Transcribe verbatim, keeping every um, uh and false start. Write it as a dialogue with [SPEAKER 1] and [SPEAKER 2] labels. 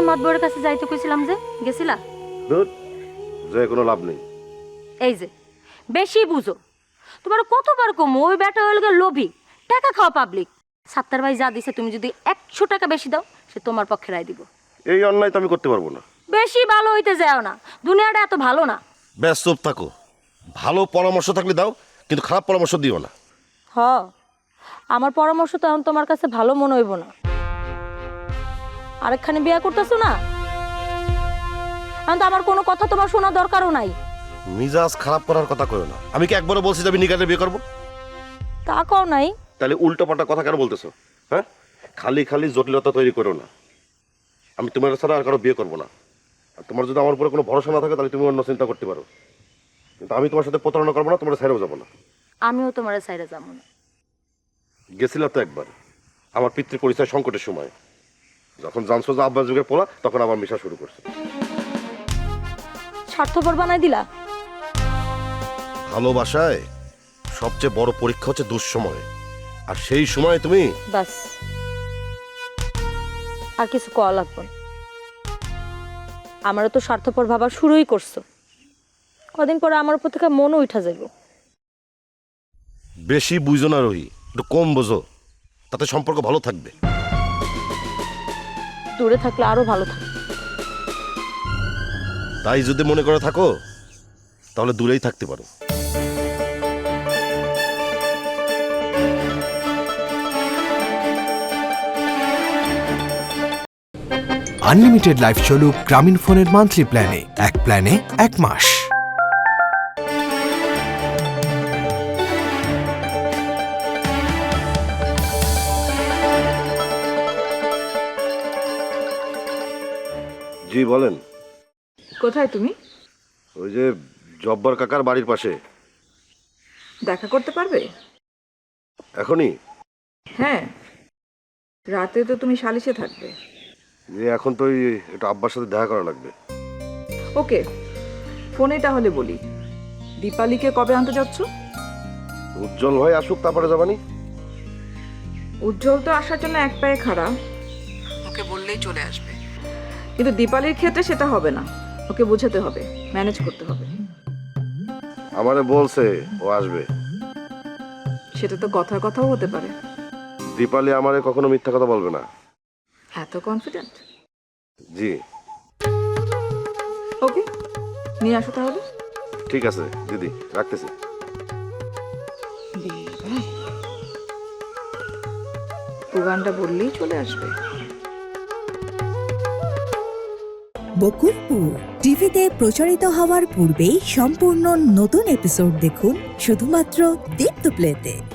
[SPEAKER 1] মাতবরের কাছে যাইতে কইছিলাম যে গেছিলা?
[SPEAKER 2] ধুর, যে কোনো লাভ নেই।
[SPEAKER 1] এই যে বেশি বুঝো, তোমার কতবার কম ওই ব্যাটা হয়ে গেল লোভী, টাকা খাওয়া পাবলিক। সাত্তার ভাই যা দিছে তুমি যদি একশো টাকা বেশি দাও সে তোমার পক্ষে রায় দিব।
[SPEAKER 2] এই অন্যায় তো আমি করতে পারবো না।
[SPEAKER 1] বেশি ভালো হইতে যাও না, দুনিয়াটা এত ভালো না।
[SPEAKER 2] ব্যাস চুপ থাকো। ভালো পরামর্শ থাকলে দাও, কিন্তু খারাপ পরামর্শ দিও না।
[SPEAKER 1] হ, আমার পরামর্শ তো এখন তোমার কাছে ভালো মনে হইব না। আরেকখানে বিয়া করতেছো না, এখন তো আমার কোনো কথা তোমার শোনা দরকারও নাই।
[SPEAKER 2] মিজাজ খারাপ করার কথা কইও না। আমি কি একবারও বলছি যে আমি নিকালে বিয়ে করবো?
[SPEAKER 1] তা কও নাই।
[SPEAKER 2] তাহলে উল্টো পাল্টা কথা কেন বলতেছো? হ্যাঁ, খালি খালি জটিলতা তৈরি করো না। আমি তোমার ছাড়া আর কারো বিয়ে করবো না। আর তোমার যদি আমার উপরে কোনো ভরসা না থাকে তাহলে তুমি অন্য চিন্তা করতে পারো, কিন্তু আমি তোমার সাথে প্রতারণা করবো না, তোমার সাইডেও যাবো না।
[SPEAKER 1] আমিও তোমার সাইডে যাবো না।
[SPEAKER 2] গেছিল তো একবার আমার পিতৃ পরিচয় সংকটের সময়, যখন জানছো যে আব্বা যুগে পোলা, তখন আবার মিশা শুরু করছে।
[SPEAKER 1] স্বার্থপর বানাই দিলা।
[SPEAKER 2] ভালোবাসায় সবচেয়ে বড় পরীক্ষা হচ্ছে দুঃসময়, আর সেই সময় তুমি
[SPEAKER 1] বাস, আর কিছু কওয়া লাগবে না। আমারও তো স্বার্থপর ভাবা শুরুই করছো, কদিন পরে আমার উপর থেকে মনও উঠা যাইব।
[SPEAKER 2] বেশি বুঝো না রহি, একটু কম বোঝো, তাতে সম্পর্ক ভালো থাকবে।
[SPEAKER 1] দূরে থাকলে আরো ভালো থাকবে।
[SPEAKER 2] তাই যদি মনে করে থাকো তাহলে দূরেই থাকতে পারো।
[SPEAKER 3] আনলিমিটেড লাইফ চলুক গ্রামীণ ফোনের মান্থলি প্ল্যানে, এক প্ল্যানে এক মাস।
[SPEAKER 2] জি বলেন।
[SPEAKER 4] কোথায় তুমি?
[SPEAKER 2] ওই যে জব্বার কাকার বাড়ির পাশে।
[SPEAKER 4] দেখা করতে পারবে?
[SPEAKER 2] এখনই?
[SPEAKER 4] হ্যাঁ, রাতে তো তুমি সালিশে থাকবে।
[SPEAKER 2] যে এখন তো ওই একটু আব্বার সাথে দেখা করা লাগবে।
[SPEAKER 4] ওকে, ফোনে তাহলে বলি। দীপালিকে কবে আনতে যাচ্ছ?
[SPEAKER 2] উজ্জ্বল ভাই আসুক তারপরে যাবানি।
[SPEAKER 4] উজ্জ্বল তো আসার জন্য এক পায়ে খাড়া, ওকে বললেই চলে আসবে। কিন্তু দীপালির ক্ষেত্রে সেটা হবে না, ওকে বোঝাতে হবে, ম্যানেজ করতে হবে।
[SPEAKER 2] আমারে বলছে ও আসবে।
[SPEAKER 4] সেটা তো কথার কথাও হতে পারে।
[SPEAKER 2] দীপালি আমারে কখনো মিথ্যা কথা বলবে না।
[SPEAKER 4] এত কনফিডেন্ট?
[SPEAKER 2] জি।
[SPEAKER 4] ওকে, নিয়ে আসো তাহলে।
[SPEAKER 2] ঠিক আছে দিদি, রাখতেছি।
[SPEAKER 4] গানটা বললেই চলে আসবে।
[SPEAKER 5] বকুলপুর টিভিতে প্রচারিত হওয়ার পূর্বেই সম্পূর্ণ নতুন এপিসোড দেখুন শুধুমাত্র দীপ্ত প্লেতে।